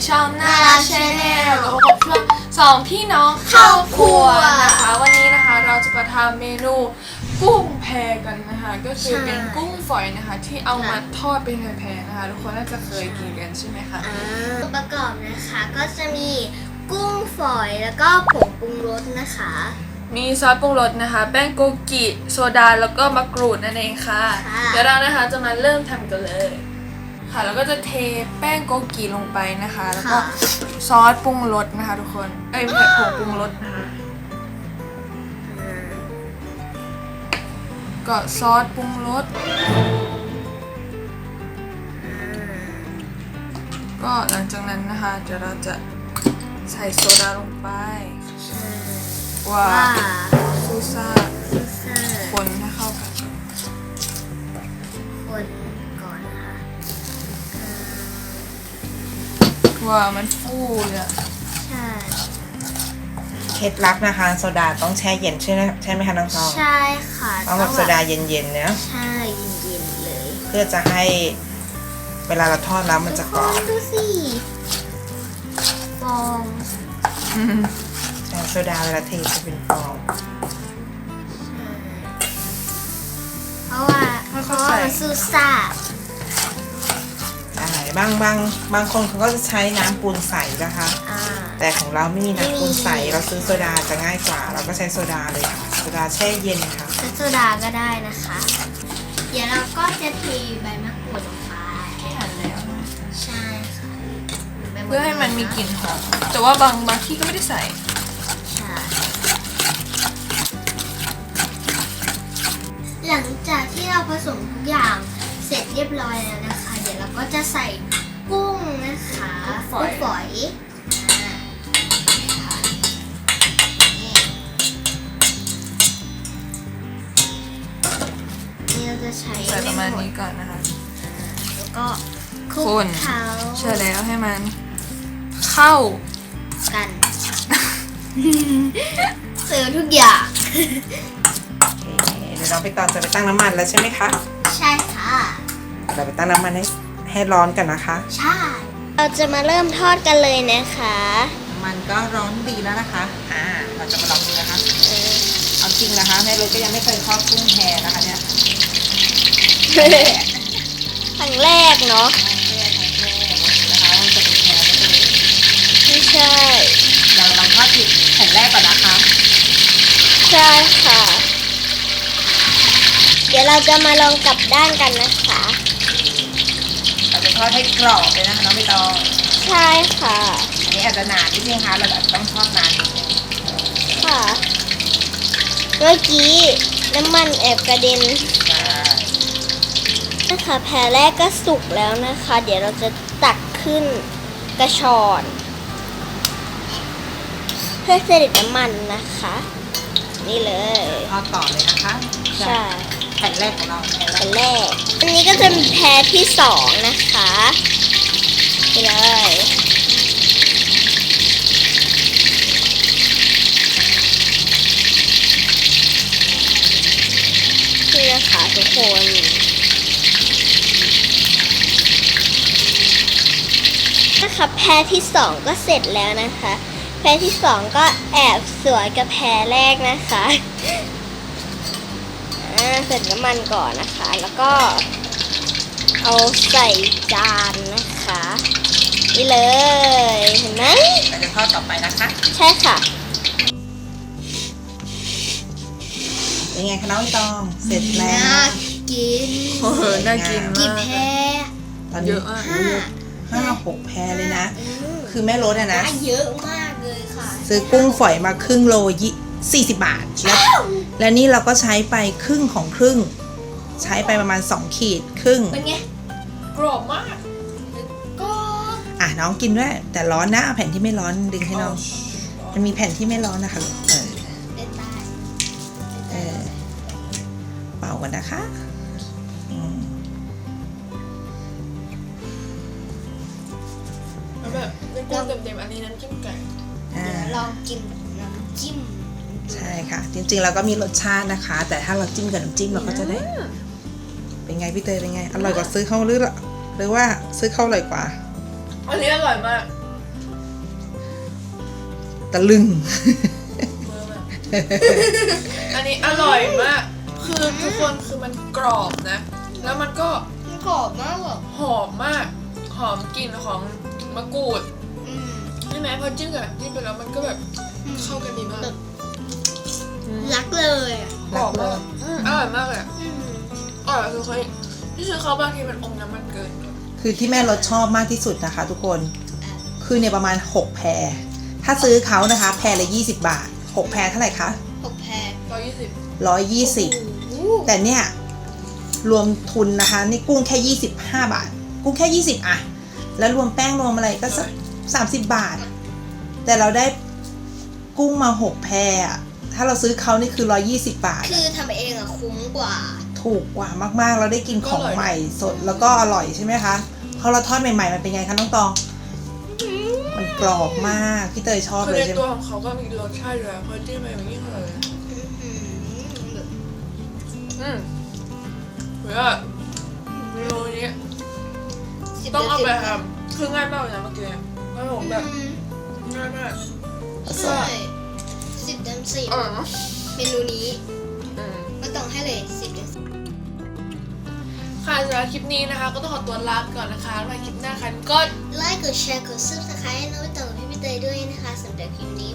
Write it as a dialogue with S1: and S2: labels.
S1: ช่องน่ารักชาแนลแล้วพบกับช่วงสองพี่น้องเข้าครัวนะคะวันนี้นะคะเราจะมาทำเมนูกุ้งแพกันนะคะก็คือเป็นกุ้งฝอยนะคะที่เอามาทอดเป็นแพรๆนะคะทุกคนน่าจะเคยกินกันใช่ไหมคะ
S2: ประกอบนะคะก็จะมีกุ้งฝอยแล้วก็ผงปรุงรสนะคะ
S1: มีซอสปรุงรสนะคะแป้งโกกิโซดาแล้วก็มะกรูดนั่นเองค่ะเดี๋ยวเรานะคะจะมาเริ่มทำกันเลยค่ะแล้วก็จะเทแป้งโกกิลงไปนะคะแล้วก็ซอสปรุงรสนะคะทุกคนไม่ใช่ผงปรุงรสนะคะก็ซอสปรุงรสก็หลังจากนั้นนะคะเดี๋ยวเราจะใส่โซดาลงไปว้าซูซ่าคนให้เข้ากัน
S2: คนก่อนนะคะ
S1: ว้ามันฟูเลยอะ
S2: ใช่
S3: เคล็ดลับนะคะโซดาต้องแช่เย็นใช่ไหมคะน้องทอง
S2: ใช่ค่ะ
S3: ต้องแบบโซดาเย็นๆเนี่ย
S2: ใช่เย็นๆเลย
S3: เพื่อจะให้เวลาเราทอดแล้วมันจะกรอบ
S2: ดูสิฟอง
S3: โซดาเวลาเทจะเป็นฟอง
S2: เพราะว่ามันซูซ่า
S3: บางคนเขาก็จะใช้น้ำปูนใสนะคะแต่ของเราไม่มีน้ำปูนใสเราซื้อโซดาจะง่ายกว่าเราก็ใช้โซดาเลยค่ะโซดาแช่เย็นค่ะ
S2: ใช้โซดาก็ได้นะคะเดี๋ยวเราก็จะเทใบมะกรูดลงไป
S1: ที่หั่นแล้ว
S2: ใช่ค่ะ
S1: เพื่อให้มันมีกลิ่นหอมแต่ว่าบางที่ก็ไม่ได้ใส่
S2: ใช่หลังจากที่เราผสมทุกอย่างเสร็จเรียบร้อยแล้วนะคะเดี๋ยวเราก็จะใส่กุ้งนะคะกุ้งฝอยนี่เราจะใช้
S1: ประมาณนี้ก่อนนะคะ
S2: แล้วก็คลุกเขา
S1: เชื่อแล้วให้มันเข้า
S2: กันเสิร์ฟทุกอย่าง
S3: เดี๋ยวเราไปตอนจะไปตั้งน้ำมันแล้วใช่ไหมคะ
S2: ใช่ค่ะ
S3: เราไปตั้งน้ำมันให้ร้อนกันนะคะ
S2: ใช่เราจะมาเริ่มทอดกันเลยนะคะ
S3: น้ำมันก็ร้อนดีแล้วนะคะเราจะมาลองดูนะคะเอาจริงนะคะแม่เลยก็ยังไม่เคยทอดกุ้งแพนะคะเนี่ย
S2: ครั้งแรกเนาะ
S3: นะคะมันจะเป็นแพ
S2: ไม่ใช่
S3: เราลองทอดแผ่นแรกก่อนนะคะ
S2: ใช่ค่ะเดี๋ยวเราจะมาลองกลับด้านกันนะคะ
S3: เราจะทอดให้กรอบเลยนะคะน้องใบตอง
S2: ใช่ค่ะ
S3: อันนี้อาจจะนานนิดนึงค่ะเราแบบต้องทอดนานนิดนึง
S2: ค่ะเมื่อกี้น้ำมันแอบกระเด็นนะคะแผ่แรกก็สุกแล้วนะคะเดี๋ยวเราจะตักขึ้นกระชอนเพื่อเสด็จน้ำมันนะคะนี่เลย
S3: ทอดต่อเลยนะคะ
S2: ใช่
S3: แผ่นแรกของเรา
S2: แผ่นแรกอันนี้ก็จะมีแผ่ที่สองนะคะไปเลยนี่นะคะทุกคนนะคะแผ่ที่สองก็เสร็จแล้วนะคะแผ่ที่สองก็แอบสวยกับแผ่แรกนะคะเสร็จน้ำมันก่อนนะคะแล้วก็เอาใส่จานนะคะนี่เลยเห็นไหม
S3: เราจะทอดต่อไปนะคะ
S2: ใช่ค่ะ
S3: เป็นไงคะน้องตองเสร็จแล้ว
S2: น่ากิน
S1: น่ากิน
S2: กี่แพร
S3: ตอนนี้5-6 แพรเลยนะคือแม่รถนะ
S2: เยอะมากเลยค่ะ
S3: ซื้อกุ้งฝอยมาครึ่งโล40 บาทและนี่เราก็ใช้ไปครึ่งของครึ่งใช้ไปประมาณ2 ขีดครึ่ง
S2: เป็นไงกรอบมากก็
S3: น้องกินด้วยแต่ร้อนนะเอาแผ่นที่ไม่ร้อนดึงให้น้องมันมีแผ่นที่ไม่ร้อนนะคะเป่ากันนะคะ
S1: แบบกุ้งเต็มๆอันนี้น้ำจิ้มไก่
S2: ลองกินน้ำจิ้ม
S3: ใช่ค่ะจริงๆเราก็มีรสชาตินะคะแต่ถ้าเราจิ้มกับน้ำจิ้มเราก็จะได้เป็นไงพี่เตยเป็นไงอร่อยกว่าซื้อเข้าหรือว่าซื้อเข้าอร่อยกว่า
S1: อันนี้อร่อยมาก
S3: ตะลึง
S1: อันนี้อร่อยมาก คือทุกคนคือมันกรอบนะ แล้วมันก็
S2: มันกรอบมากแบบ
S1: หอมมาก หอมกลิ่นของมะกรูดใช่ไหมพอจิ้มกับจิ้มไปแล้วมันก็แบบเข้ากันดีมาก
S2: รักเลยอ่ะ
S1: กรอบมากอร่อยมากเลยอะอร่อยคือเคยที่ซื้อเขาบางทีมันอมน้ำมันเกิน
S3: คือที่แม่รสชอบมากที่สุดนะคะ ทุกคนคือเนี่ยประมาณ6แพรถ้าซื้อเขานะคะแพรละ20 บาท6แพรเท่าไหร่คะ
S2: 6 แพร
S3: 120แต่เนี่ยรวมทุนนะคะนี่กุ้งแค่25 บาทกุ้งแค่20อะแล้วรวมแป้งรวมอะไรก็สัก30 บาท แต่เราได้กุ้งมา6แพรอะถ้าเราซื้อเขานี่คือ120 บาท
S2: คือทำเองอ่ะคุ้มกว่า
S3: ถูกกว่ามากๆ เราได้กินของใหม่สดแล้วก็อร่อยใช่ไหมคะพอเราทอดใหม่ๆมันเป็นไงคะน้องตองมันกรอบมากพี่เตยชอบ
S1: คือ
S3: เลย
S1: ใน
S3: ใช่ไหม
S1: ตัวของเขาก็มีรสชาติอยู่แล้วพอจิ้มไปมันยิ่งอร่อยหรือว่าเมนูนี้ต้องเอาไปทำคือง่ายมากเลยนะเมื่อกี้แล้วผมแบบง่ายมาก
S2: ใช่10 เต็ม 10 เมนูนี้ก็ต้องให้เลย10 เต็ม
S1: ค่ะสำหรับคลิปนี้นะคะ ก็ต้องขอตัวลาไปก่อนนะคะแล้วมาคลิปหน้าค่ะก็
S2: 10 ไลค์กดแชร์กด subscribe ให้น้องใบตองกับพี่เตยด้วยนะคะสำหรับคลิปนี้